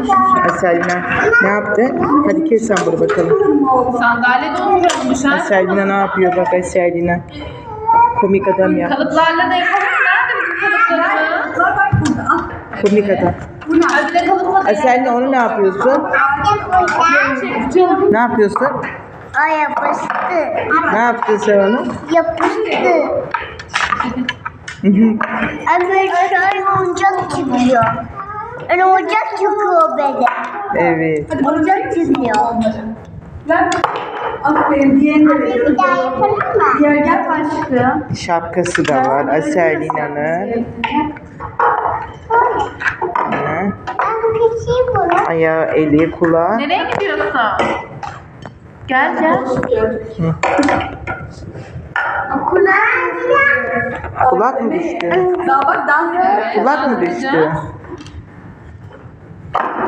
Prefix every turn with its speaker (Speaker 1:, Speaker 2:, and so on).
Speaker 1: Aselina ne yaptı? Hadi kes sen bunu bakalım.
Speaker 2: Sandalyede oturuyormuş ha.
Speaker 1: Aselina ne yapıyor bak Aselina. Komik adam ya.
Speaker 2: Kalıplarla da yapalım. Nerede bizim kalıplarımız?
Speaker 3: Bak burada. Al.
Speaker 1: Komik adam.
Speaker 2: Ay bir de kalıpla da
Speaker 1: Aselina onu ne yapıyorsun? Ne yapıyorsun?
Speaker 4: O yapıştı.
Speaker 1: Ne yaptın sen onu?
Speaker 4: Yapıştı. Öbür şöyle oyuncak çıkıyor. Öyle oyuncak çıkıyor böyle.
Speaker 1: Evet.
Speaker 4: Oyuncak çıkıyor.
Speaker 3: Ver. Aferin. Diğerini de
Speaker 4: Bir
Speaker 3: veriyorum.
Speaker 4: daha yapalım mı?
Speaker 3: Diğer gel başlığı.
Speaker 1: Şapkası da var Aselina'nın.
Speaker 4: Ben keseyim bunu.
Speaker 1: Ayağı, eli, kulağı.
Speaker 2: Nereye gidiyorsun? Gel gel.
Speaker 4: Okula.
Speaker 1: Kulak mı düştü?
Speaker 3: Daha bak dans ediyor.
Speaker 1: Kulak mı düştü?